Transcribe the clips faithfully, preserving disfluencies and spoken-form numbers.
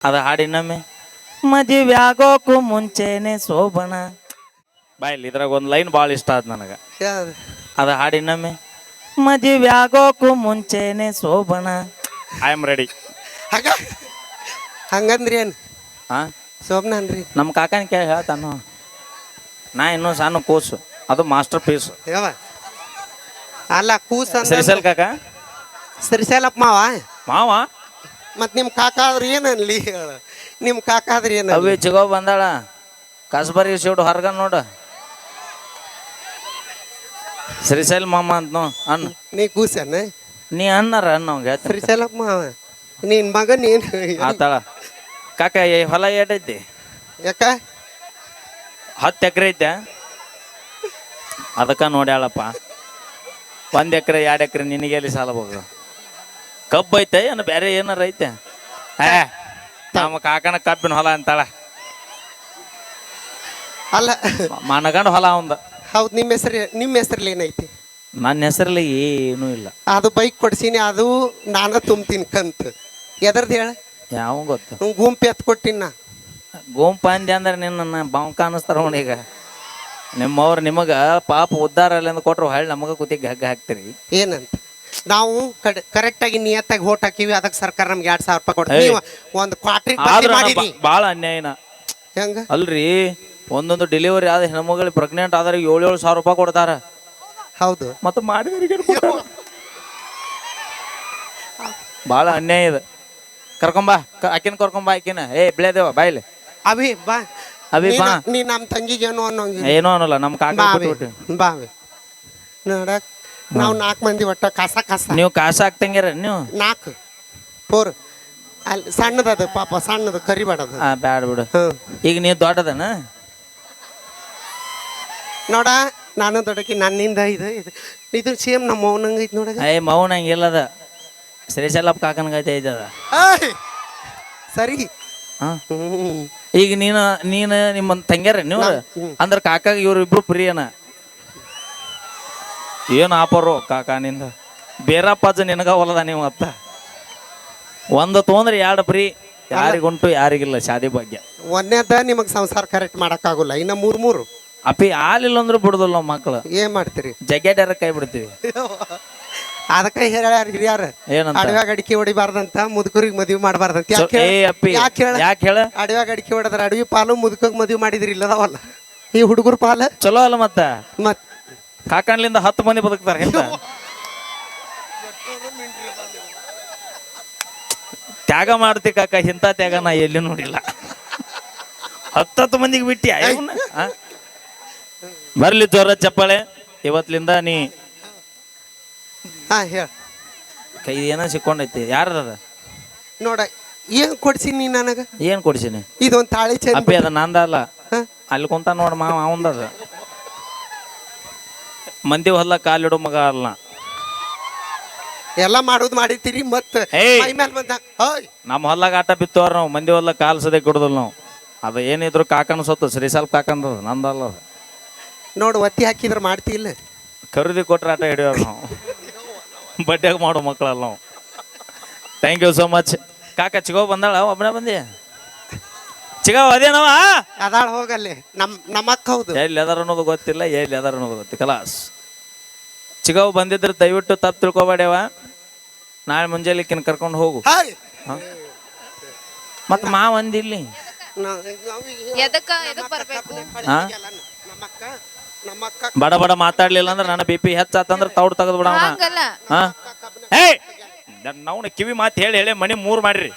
ಅದ ಹಾಡಿನಮ್ಮೆ ಮದುವೆ ಆಗೋಕು ಮುಂಚೆನೆ ಶೋಭನ ಬಾಯಲ್ಲಿ ಇದ್ರಾಗ ಒಂದು ಲೈನ್ ಭಾಳ ಇಷ್ಟ ಆದ್ ನನಗೆ. ಯಾವ್ದು? ಅದ ಹಾಡಿನಮ್ಮೆ ಮದುವೆ ಆಗೋಕು ಮುಂಚೆನೆ ಶೋಭನ. I am ready. ಹಂಗ ಹಂಗಂದ್ರಿ ಏನು ಹಾ ಶೋಭನ ಅನ್ರಿ? ನಮ್ಮ ಕಾಕನ ಕೇಳಿ ಹೇಳ್ತಾನು. ನಾ ಇನ್ನೂ ಸಣ್ಣ ಕೂಸು, ಅದು ಮಾಸ್ಟರ್ ಪೀಸ್. ಯಾವ ಅಲ್ಲ ಕೂಸ ಸರಿಸಲ್ ಕಾಕ ಸರಿಸಲಪ್ಪ ಮಾವ. ಮಾವ ಮತ್ ನಿಮ್ ಕಾಕ ಆದ್ರೆ ಏನನ್ಲಿ ಹೇಳ? ನಿಮ್ ಕಾಕ ಆದ್ರೆ ಏನ? ಅವಿ ಚಿಗೋ ಬಂದಾಳ ಕಸ್ಬರಿ ಶಿವಡು ಹೊರಗ ನೋಡ ಶ್ರೀಶೈಲ್ ಮಾಮ ಅಂತ ನೋ ಅಣ್ಣ. ನೀ ಕೂಸನ ನೀ ಅಣ್ಣಾರ ಅಣ್ಣವಂಗ ಸರಿಸಲಪ್ಪ ಮಾವ. ನಿನ್ ಮಗ ನೀನ್ ಆತಾಳ. ಕಾಕ ಈ ಹೊಲ ಏಟೈತಿ? ಯಾಕ ಹತ್ತು ಎಕರೆ ಐತೆ. ಅದಕ್ಕೆ ನೋಡ್ಯಾಳಪ್ಪ. ಒಂದು ಎಕರೆ ಎರಡು ಎಕರೆ ನಿನಗೆ ಎಲ್ಲಿ ಸಾಲ ಹೋಗ? ಕಬ್ಬು ಐತೆ ಏನು ಬೇರೆ ಏನಾರ ಐತೆ? ಏ ನಮ್ಮ ಕಾಕನ ಕಬ್ಬಿನ ಹೊಲ ಅಂತಾಳ. ಅಲ್ಲ ಮನಗಂಡ ಹೊಲ ಅವಂದ. ಹೌದು. ನಿಮ್ಮ ಹೆಸರು ನಿಮ್ಮ ಹೆಸರಲ್ಲಿ ಏನೈತಿ? ನನ್ನ ಹೆಸರಲ್ಲಿ ಏನೂ ಇಲ್ಲ. ಅದು ಬೈಕ್ ಕೊಡ್ಸೀನಿ, ಅದು ನಾನ ತುಂಬ್ತೀನಿ ಕಂತು. ಎದರ್ದು ಹೇಳ? ಯಾವ ಗೊತ್ತು? ಗುಂಪು ಎತ್ ಕೊಟ್ಟಿನ ನಾ. ಗೋಂಪ ಅಂದೆ ಅಂದ್ರೆ ನಿನ್ನ ಬಾಂಕ ಅನ್ನಿಸ್ತಾರ ನೋಡಿ. ಈಗ ನಿಮ್ಮವ್ರು ನಿಮಗೆ ಪಾಪ ಉದ್ಧಾರ ಅಲ್ಲಿ ಅಂದ್ ಕೊಟ್ರು ಹಳ್ಳಿ ನಮಗೆ ಕೂತಿಗೆ ಹಗ್ಗ ಹಾಕ್ತೀರಿ. ಏನಂತ ನಾವು ಕರೆಕ್ಟಾಗಿ ನಿಯತ್ತಾಗಿ ಹೋಟ್ ಹಾಕಿವಿ, ಅದಕ್ಕೆ ಸರ್ಕಾರ ನಮ್ಗೆ ಎರಡ್ ಸಾವಿರ ರೂಪಾಯಿ ಕೊಡ್ತೀವಿ. ನೀವು ಒಂದು ಕ್ವಾಟ್ರಿ ಮಾಡಿರಿ. ಭಾಳ ಅನ್ಯಾಯನ. ಹೆಂಗ ಅಲ್ರಿ, ಒಂದೊಂದು ಡೆಲಿವರಿ ಆದ ಹೆಣ್ಮಗಳಿಗೆ ಪ್ರೆಗ್ನೆಂಟ್ ಆದ್ರೆ ಏಳು ಏಳು ಸಾವಿರ ರೂಪಾಯಿ ಕೊಡ್ತಾರ. ಹೌದು. ಮತ್ತೆ ಮಾಡಿದ್ರಿಗೆ ಭಾಳ ಅನ್ಯಾಯ ಇದೆ. ಕರ್ಕೊಂಬಾ ಆಕಿನ ಕರ್ಕೊಂಬಾ ಆಕಿನ. ಏ ಬಿಳೆದೇವ ಬಾಯ್ಲಿ ಅಭಿ ಬಾ. ಅಭಿ ಬಾ. ನೀ ನಮ್ಮ ತಂಗಿಗೆ ಏನೋ ಅನ್ನೋಂಗಿಲ್ಲ. ಏನೋ ಅನ್ನಲ್ಲ ನಮ್ಮ ಕಾಕ. ಬಾವಿ ನೋಡಕ್ ನಾವು ನಾಲ್ಕು ಮಂದಿ ಒಟ್ಟ ಕಸ ಕಸ. ನೀವು ಕಾಸ ಹಾಕ್ತಂಗ್ಯಾರ ನೀವು? ನಾಲ್ಕು ಫೋರ್ ಅಲ್ಲಿ ಸಣ್ಣದದು ಪಾಪ, ಸಣ್ಣದು ಕರಿಬೇಡದು. ಹಾ ಬ್ಯಾಡ ಬಿಡು. ಈಗ ನೀವು ದೊಡ್ಡದನ ನೋಡ. ನಾನು ದೊಡ್ಡಕಿ, ನನ್ನಿಂದ ಇದು ಇದು ಇದು ಸೇಮ್ ನಮ್ಮ ಮೌನಂಗ ಐತಿ ನೋಡ. ಏ ಮೌನ ಹಂಗಿಲ್ಲದ. ಶ್ರೀಶೈಲಪ್ಪ ಕಾಕನಗೈತೆ ಐತದ. ಸರಿ. ಹಾ ಈಗ ನೀನು ನೀನು ನಿಮ್ಮ ತಂಗ್ಯಾರ ನೀವು ಅಂದ್ರೆ ಕಾಕಾಗ ಇವ್ರು ಇಬ್ರು ಪ್ರಿಯನ. ಏನು ಆಪರು ಕಾಕಾನಿಂದ ಬೇರಪ್ಪಾಜ ನಿನಗ ಹೊಲದ ನೀವು ಅತ್ತ. ಒಂದು ತೊಂದ್ರೆ ಎರಡು ಪ್ರೀ, ಯಾರಿಗುಂಟು ಯಾರಿಗಿಲ್ಲ ಶಾದಿ ಭಾಗ್ಯ. ಒಂದೇದ ನಿಮಗೆ ಸಂಸಾರ ಕರೆಕ್ಟ್ ಮಾಡಕ್ಕಾಗಲ್ಲ. ಇನ್ನ ಮೂರ್ ಮೂರು ಅಪ್ಪಿ ಹಾಲಿಲ್ಲ ಅಂದ್ರೂ ಬಿಡುದಿಲ್ಲ ನಾವು ಮಕ್ಳು. ಏನ್ ಮಾಡ್ತೀರಿ? ಜಗ್ಗೆಡ್ಯಾರ ಕೈ ಬಿಡ್ತೀವಿ. ಅದಕ್ಕೆ ಹೇಳ್ಯಾರ ಹಿರಿಯಾರ, ಏನಂತ? ಅಡವ್ಯಾಗ ಅಡಿಕೆ ಹೊಡಿಬಾರ್ದಂತ, ಮುದುಕರಿಗೆ ಮದುವೆ ಮಾಡಬಾರ್ದಂತ. ಏ ಅಪ್ಪಿ ಯಾಕೆ ಹೇಳ? ಅಡವ್ಯಾಗ ಅಡಿಕೆ ಹೊಡೆದ್ರ ಅಡವಿ ಪಾಲು, ಮುದುಕಗ್ ಮದುವೆ ಮಾಡಿದ್ರಿ ಇಲ್ಲದವಲ್ಲ ಈ ಹುಡುಗರು ಪಾಲ. ಚಲೋ ಅಲ್ಲ ಮತ್ತ? ಮತ್ ಕಾಕಣ್ಲಿಂದ ಹತ್ತು ಮಂದಿ ಬದುಕ್ತಾರ. ಎಂತ ತ್ಯಾಗ ಮಾಡ್ತಿ ಕಾಕ, ಇಂಥ ತ್ಯಾಗ ನಾ ಎಲ್ಲಿ ನೋಡಿಲ್ಲ. ಹತ್ತತ್ತು ಮಂದಿಗೆ ಬಿಟ್ಟಿ ಬರ್ಲಿ ಜೋರ ಚಪ್ಪಾಳೆ. ಇವತ್ಲಿಂದ ನೀ ಹಾ ಹೇಳ. ಕೈ ಏನೋ ಸಿಕ್ಕೊಂಡೈತಿ. ಯಾರದ ನೋಡ ಏನ್ ಕೊಡ್ಸೀನಿ ನೀ ನನಗ? ಏನ್ ಕೊಡ್ಸೀನಿ? ಇದೊಂದ್ ತಾಳಿ ಚಂದ. ಅಪ್ಪಿ ಅದ ನಂದ ಅಲ್ಲ, ಅಲ್ಲಿ ಕುಂತ ನೋಡ ಮಾವ ಅವಂದದ. ಮಂದಿ ಹೊಲ ಕಾಲಿಡೋ ಮಗ ಅಲ್ಲ. ಎಲ್ಲ ಮಾಡೋದು ಮಾಡಿರ್ತೀರಿ ಮತ್ತ ನಮ್ಮ ಹೊಲ್ಲಾಗ ಆಟ ಬಿತ್ತವ್ರ ನಾವು. ಮಂದಿ ಹೊಲ ಕಾಲ್ ಸದೇ ಕೊಡುದಿಲ್ಲ ನಾವು. ಅದು ಏನಿದ್ರು ಕಾಕನ ಸೊತ್ತು, ಶ್ರೀಶೈಲ್ ಕಾಕಂದ, ನಂದಲ್ಲ. ನೋಡು ಒತ್ತಿ ಹಾಕಿದ್ರೆ ಮಾಡ್ತಿ ಇಲ್ಲ. ಖರೀದಿ ಕೊಟ್ರೆ ಆಟ ಹಿಡಿಯೋರು ನಾವು. ಬಡ್ಡಿಯಾಗ ಮಾಡೋ ಮಕ್ಕಳಲ್ಲ ನಾವು. Thank you so much. ಕಾಕ ಚಿಗೋ ಬಂದಾಳ? ಒಬ್ಬನೇ ಬಂದಿ? ಚಿಗೋ ಅದೇನವ ಅದಾಳ ಹೋಗಲ್ಲಿ. ನಮ್ ನಮ್ಮಕ್ಕ ಹೌದು. ಎಲ್ಲಿ ಅದಾರ ಅನ್ನೋದು ಗೊತ್ತಿಲ್ಲ, ಎಲ್ಲಿ ಅದಾರ ಅನ್ನೋದು ಗೊತ್ತಿ ಕಲಾಸ್. ಚಿಗವ್ ಬಂದಿದ್ರೆ ದಯವಿಟ್ಟು ತಪ್ಪು ತಿಳ್ಕೊಬೇಡವ. ನಾಳೆ ಮುಂಜಾನೆ ಕಿನ್ ಕರ್ಕೊಂಡು ಹೋಗು. ಮತ್ ಮಾವ ಅಂದಿಲ್ಲಿ ಬಡ ಬಡ ಮಾತಾಡ್ಲಿಲ್ಲ ಅಂದ್ರೆ ನನ್ನ ಬಿ ಪಿ ಹೆಚ್ಚಾತಂದ್ರೆ ತೌಡ್ ತೆಗೆದು ಬಿಡವನ. ಹೇ ನಾವು ಕಿವಿ ಮಾತು ಹೇಳಿ ಹೇಳಿ ಮನಿ ಮೂರ್ ಮಾಡ್ರಿ.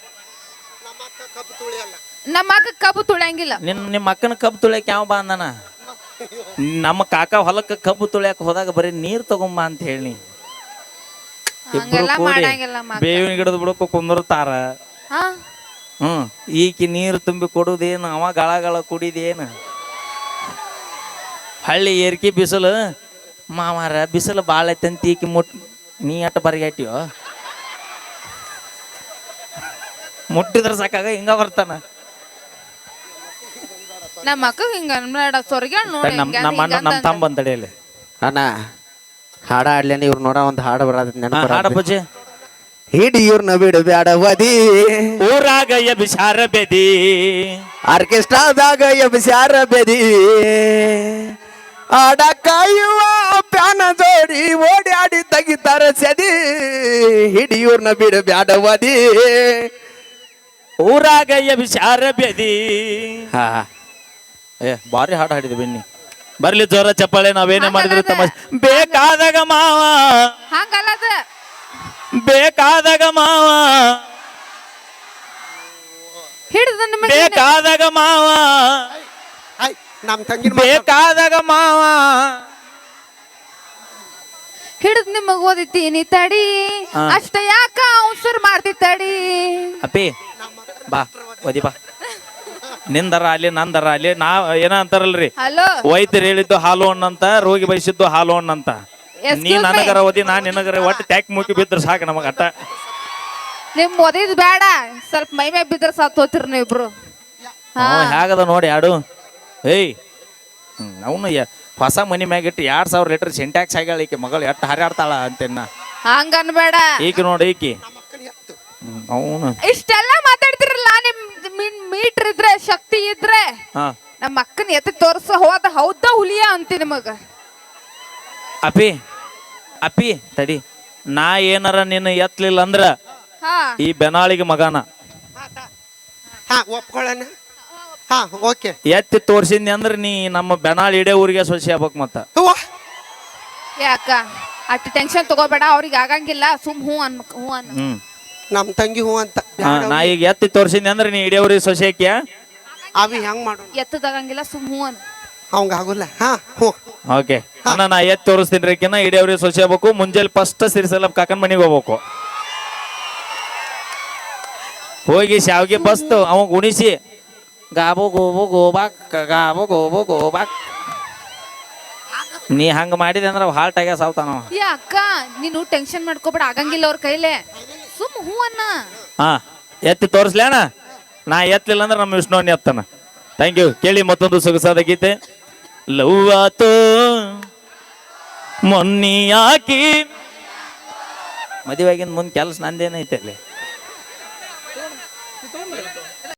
ನಮ್ಮ ಅಕ್ಕ ಕಬ್ಬು ತುಳಿಯಂಗಿಲ್ಲ. ನಿನ್ ನಿಮ್ಮ ಅಕ್ಕನ ಕಬ್ಬು ತುಳಿಯಕ್ ಯಾವ ಬಾ ಅಂದನ? ನಮ್ಮ ಕಾಕ ಹೊಲಕ್ಕ ಕಬ್ಬು ತುಳಿಯಕ್ ಹೋದಾಗ ಬರೀ ನೀರ್ ತಗೊಂಬ ಅಂತ ಹೇಳಿ ಇಬ್ರು ಕೂಡಿ ಬೇವಿನ ಗಿಡದ ಬಿಡಕ್ಕೂ ಕುಂದಿರ್ತಾರ. ಹ್ಮ್ ಈಕಿ ನೀರು ತುಂಬಿ ಕೊಡುದೇನು, ಅವ ಗಳ ಗಳ ಕುಡಿದೇನು? ಹಳ್ಳಿ ಏರ್ಕಿ ಬಿಸಿಲು ಮಾವಾರ ಬಿಸಿಲು ಭಾಳ ಐತಂತ ಈಕಿ ಮುಟ್ ನೀ ಅಟ್ಟ ಬರಿಗಾಟಿಯೋ ಮುಟ್ಟಿದ್ರ ಸಾಕಾಗ ಹಿಂಗ ಬರ್ತಾನ. ನಮ್ಮ ಅಕ್ಕ ಹಿಂಗ ನಮ್ಮ ತಮ್ಮ ಬಂದಡೆಯಲ್ಲಿ ಅಣ್ಣ ಹಾಡ ಆಡ್ಲೇನೆ ಇವ್ರು ನೋಡ ಒಂದು ಹಾಡು ಬರೋದ್ ನೆನಪು. ಹಾಡ ಪೂಜೆ ಹಿಡಿಯೂರ್ನ ಬಿಡಬ್ಯಾಡವದಿ ಊರಾಗ ಎಬಿಸಾರ ಬೆದಿ ಆರ್ಕೆಸ್ಟ್ರಾದಾಗ ಎಬ್ಸ್ಯಾರ ಬೆದಿ ಆಡ ಕಾಯುವ ಪ್ಯಾನ ಜೋಡಿ ಓಡಾಡಿ ತೆಗಿತಾರ ಸದಿ ಹಿಡಿಯೂರ್ನ ಬಿಡಬ್ಯಾಡವದಿ. ಊರಾಗ ಎಬಿಸಾರ ಬೆದಿ. ಹಾ ಏ ಭಾರಿ ಹಾಡು ಹಾಡಿದ್ವಿ ಬನ್ನಿ ಬರ್ಲಿ ಜೋರ ಚಪ್ಪಾಳೆ ನಾವೇನೇ ಮಾಡಿದ್ರು ತಮ್ಮ ಬೇಕಾದಾಗ ಮಾವ ಹಂಗಲ್ಲದ ಬೇಕಾದಾಗ ಮಾವ ಹಿಡಿದು ನಿಮಗೆ ಬೇಕಾದಾಗ ಮಾವ ಆಯ್ ನಮ್ ತಂಗಿ ಬೇಕಾದಾಗ ಮಾವ ಹಿಡಿದು ನಿಮಗ್ ಓದಿತೀನಿ ತಡಿ ಹಾ. ಅಷ್ಟ ಯಾಕ ಅವಸರ್ ಮಾಡ್ತಿ ತಡಿ. ಅಪ್ಪಿ ಬಾ ಓದಿ ಬಾ ನಿಂದರ ಅಲ್ಲಿ ನಂದರ ಅಲ್ಲಿ ನಾ ಏನ ಅಂತಾರಲ್ರಿ ಹಲೋ ವೈದ್ಯರು ಹೇಳಿದ್ದು ಹಾಲು ಹಣ್ಣಂತ ರೋಗಿ ಬಯಸಿದ್ದು ಹಾಲು ಹಣ್ಣಂತ ನೀ Excuse me. ನನಗರ ಓದಿ ನಾ ನಿನಗರ ಒಟ್ಟು ಟ್ಯಾಕ್ ಮುಗಿ ಬಿದ್ರೆ ಸಾಕು ನಮಗ ಅಟ್ಟ ನಿಮ್ ಓದಿದ್ ಬೇಡ ಸ್ವಲ್ಪ ಮೈ ಮ್ಯಾಗ ಬಿದ್ರ ಸತ್ ಹೋತಿರ್ ನೀವಿಬ್ರು. ಹಾ ಅವ ಹೇಗದ ನೋಡಿ ಯಾಡು ಏಯ್ ಅವನು ಹೊಸ ಮನಿ ಮ್ಯಾಗ ಇಟ್ಟು ಎರಡ್ ಸಾವಿರ ಲೀಟರ್ ಸಿಂಟ್ಯಾಕ್ಸ್ ಆಗ್ಯಾಳ ಈಕೆ ಮಗಳು ಎಟ್ಟು ಹರಿಯಾಡ್ತಾಳ ಅಂತೇನ ಹಂಗ ಅನ್ಬೇಡ. ಈಕೆ ನೋಡಿ ಈಕಿ ಅವನು ಇಷ್ಟೆಲ್ಲ ಮಾತಾಡ್ತಿರಲ್ಲ ನಿಮ್ ಮೀಟರ್ ಇದ್ರೆ ಶಕ್ತಿ ಇದ್ರೆ ಹಾ ನಮ್ಮ ಅಕ್ಕನ ಎತ್ತಿ ತೋರ್ಸ ಹೋದ ಹೌದ ಹುಲಿಯ ಅಂತಿ ನಿಮಗ. ಅಪ್ಪಿ ಅಪ್ಪಿ ತಡಿ ನಾ ಏನಾರ ನಿನ್ನ ಎತ್ತಲಿಲ್ಲ ಅಂದ್ರ ಹಾ ಈ ಬೆನಾಳಿಗೆ ಮಗನ ಹಾ ಒಪ್ಕೊಳ್ಳೋಣ. ಹಾ ಓಕೆ. ಎತ್ತಿ ತೋರ್ಸಿದ್ನಿ ಅಂದ್ರ ನೀ ನಮ್ಮ ಬೆನಾಳ್ ಇಡೇ ಊರಿಗೆ ಸೊಸಿ ಆಗ್ಬೇಕು ಮತ್ತ ಯಾಕ ಅಷ್ಟು ಟೆನ್ಷನ್ ತಗೋಬೇಡ, ಅವ್ರಿಗೆ ಆಗಂಗಿಲ್ಲ, ಸುಮ್ ಹೂ ಅನ್ ಹೂ ಅನ್. ಹ್ಮ್ ನಮ್ ತಂಗಿ ಹೂ ಅಂತ ಹಾ, ನಾ ಈಗ ಎತ್ತಿ ತೋರ್ಸಿದ್ನಿ ಅಂದ್ರ ನೀ ಇಡೇ ಊರಿಗೆ ಸೊಸಿ ಹಾಕ್ಯ ಅವಿ ಹೆಂಗ್ ಮಾಡೋಣ ಎತ್ತದಾಗಂಗಿಲ್ಲ, ಸುಮ್ ಹೂ ಅನ್. ಅವಂಗ ಆಗುಲ್ಲ. ಹಾ ಹ್ಞೂ ಓಕೆ ಅಣ್ಣ ನಾ ಎತ್ತಿ ತೋರಿಸ್ತೀನಿ ರೀಕಿನ ಇಡೇ ಊರಿಗೆ ಸೊಸಿ ಆಗ್ಬೇಕು. ಮುಂಜಾನೆ ಫಸ್ಟ್ ಸಿರಿಸಲ್ಲ ಕಾಕನ್ ಮನಿಗೆ ಹೋಗ್ಬೇಕು. ಹೋಗಿ ಶಾವ್ಗೆ ಬಸ್ತು ಅವ ಗುಣಿಸಿ ಗಾಬು ಗೋಬು ಗೋಬಾಕ್ ಗಾಬು ಗೋಬು ಗೋಬಾಕ್ ನೀ ಹಂಗ ಮಾಡಿದೆ ಅಂದ್ರೆ ಹಾಲ್ಟ್ ಆಗ್ಯ ಸಾವ್ತಾನವ. ಏ ಅಕ್ಕ ನೀನು ಟೆನ್ಷನ್ ಮಾಡ್ಕೋಬೇಡ, ಆಗಂಗಿಲ್ಲ ಅವ್ರ ಕೈಲೆ, ಸುಮ್ ಹೂ ಅನ್ನ. ಹಾ ಎತ್ತಿ ತೋರಿಸ್ಲಿ ಅಣ್ಣ. ನಾ ಎತ್ತಲಿಲ್ಲ ಅಂದ್ರೆ ನಮ್ಮ ವಿಷ್ಣುವನ್ನ ಎತ್ತಾನ. Thank you. ಕೇಳಿ ಮತ್ತೊಂದು ಸೊಗಸಾದ ಗೀತೆ. ಲವ್ ಆತು ಮೊನ್ನಿ ಯಾಕಿ ಮದುವೆಗಿಂದ ಮುಂದೆ ಕೆಲಸ ನಂದೇನೈತೆ ಅಲ್ಲಿ